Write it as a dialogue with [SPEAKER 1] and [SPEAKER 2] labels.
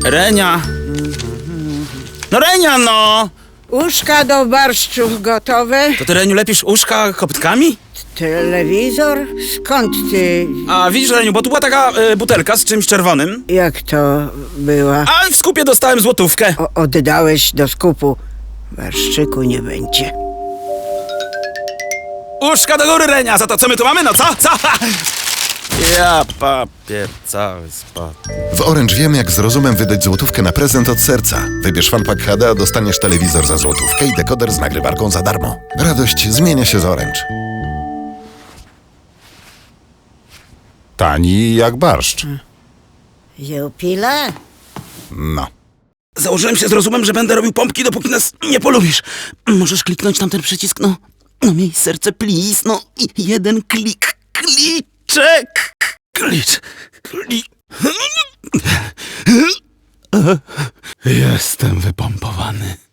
[SPEAKER 1] Renia. No Renia, no!
[SPEAKER 2] Uszka do barszczów gotowe.
[SPEAKER 1] To ty, Reniu, lepisz uszka koptkami?
[SPEAKER 2] Telewizor? Skąd ty?
[SPEAKER 1] A widzisz, Reniu, bo tu była taka butelka z czymś czerwonym.
[SPEAKER 2] Jak to była?
[SPEAKER 1] A w skupie dostałem złotówkę.
[SPEAKER 2] Oddałeś do skupu. Barszczyku nie będzie.
[SPEAKER 1] Uszka do góry, Renia, za to co my tu mamy, no co? Co? Ja papier cały spadł.
[SPEAKER 3] W Orange wiemy, jak z rozumem wydać złotówkę na prezent od serca. Wybierz FunPack HD, a dostaniesz telewizor za złotówkę i dekoder z nagrywarką za darmo. Radość zmienia się z Orange.
[SPEAKER 4] Tani jak barszcz.
[SPEAKER 2] Jupile?
[SPEAKER 3] No.
[SPEAKER 1] Założyłem się z rozumem, że będę robił pompki, dopóki nas nie polubisz. Możesz kliknąć tam ten przycisk, no. No miej serce, please, no. I jeden klik. Kliczek. Klicz. Jestem wypompowany.